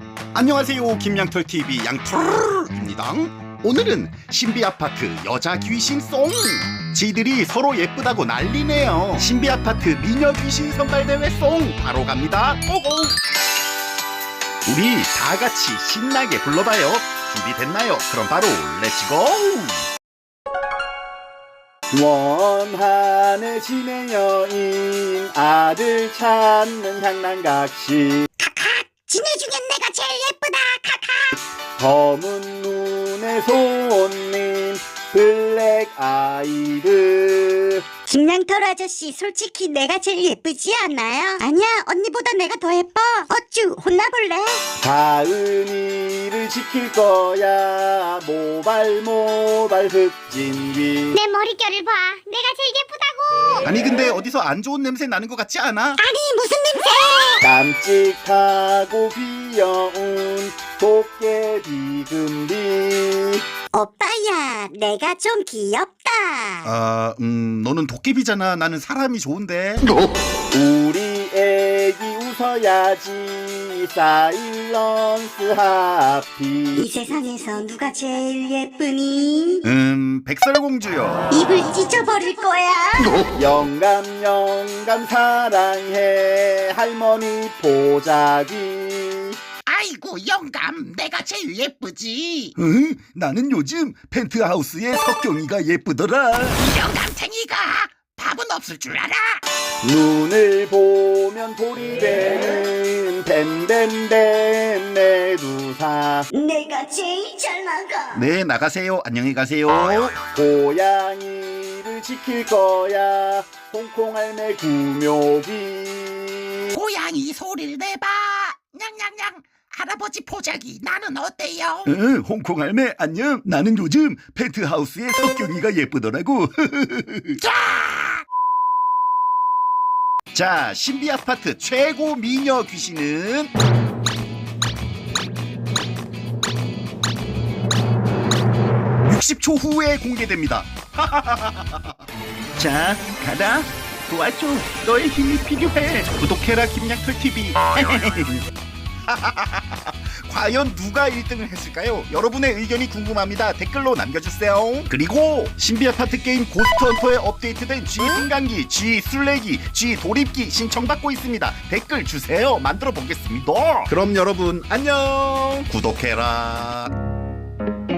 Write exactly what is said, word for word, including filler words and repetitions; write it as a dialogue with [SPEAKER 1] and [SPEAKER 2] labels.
[SPEAKER 1] 안녕하세요, 김양털티비 양털입니다. 오늘은 신비아파트 여자 귀신송. 지들이 서로 예쁘다고 난리네요. 신비아파트 미녀 귀신 선발대회 송 바로 갑니다. 고고. 우리 다같이 신나게 불러봐요. 준비됐나요? 그럼 바로 렛츠고. 원한의 신의 여인 아들 찾는 향난각시
[SPEAKER 2] 지네 중엔 내가 제일 예쁘다. 카카.
[SPEAKER 1] 검은 눈의 손님 블랙 아이드.
[SPEAKER 2] 김양털 아저씨, 솔직히 내가 제일 예쁘지 않나요? 아니야, 언니보다 내가 더 예뻐. 어쭈, 혼나볼래?
[SPEAKER 1] 다은이를 지킬 거야. 모발 모발 흑진귀.
[SPEAKER 2] 내 머릿결을 봐. 내가 제일 예쁘다고.
[SPEAKER 1] 아니 근데 어디서 안 좋은 냄새 나는 것 같지 않아?
[SPEAKER 2] 아니, 무슨 냄새?
[SPEAKER 1] 깜찍하고 귀여운 도깨비 금비.
[SPEAKER 2] 오빠야, 내가 좀 귀엽다.
[SPEAKER 1] 아, 음, 너는 도깨비잖아. 나는 사람이 좋은데. 우리 애기 웃어야지. 사일런스 하피.
[SPEAKER 2] 이 세상에서 누가 제일 예쁘니?
[SPEAKER 1] 음, 백설공주요.
[SPEAKER 2] 입을 찢어버릴 거야.
[SPEAKER 1] 영감 영감 사랑해. 할머니 보자기.
[SPEAKER 3] 아이고 영감, 내가 제일 예쁘지.
[SPEAKER 1] 응? 나는 요즘 펜트하우스의 석경이가 예쁘더라.
[SPEAKER 3] 영감탱이가 밥은 없을 줄 알아.
[SPEAKER 1] 눈을 보면 돌이 되는 뱀뱀뱀 메두사.
[SPEAKER 2] 내가 제일 잘 나가.
[SPEAKER 1] 네, 나가세요. 안녕히 가세요. 고양이를 지킬 거야. 홍콩 할매 구묘기.
[SPEAKER 3] 고양이 소리를 내봐. 냥냥냥. 할아버지 포자기, 나는 어때요?
[SPEAKER 1] 응, 홍콩 할매 안녕. 나는 요즘 펜트하우스의 석경이가 예쁘더라고.
[SPEAKER 3] 자!
[SPEAKER 1] 자, 신비아파트 최고 미녀 귀신은 육십 초 후에 공개됩니다. 자, 가라. 도와줘. 너의 힘이 필요해. 구독해라, 김양털티비. 과연 누가 일 등을 했을까요? 여러분의 의견이 궁금합니다. 댓글로 남겨주세요. 그리고 신비아파트 게임 고스트헌터에 업데이트된 G 승강기, G 술래기, G 도립기 신청받고 있습니다. 댓글 주세요. 만들어 보겠습니다. 그럼 여러분 안녕. 구독해라.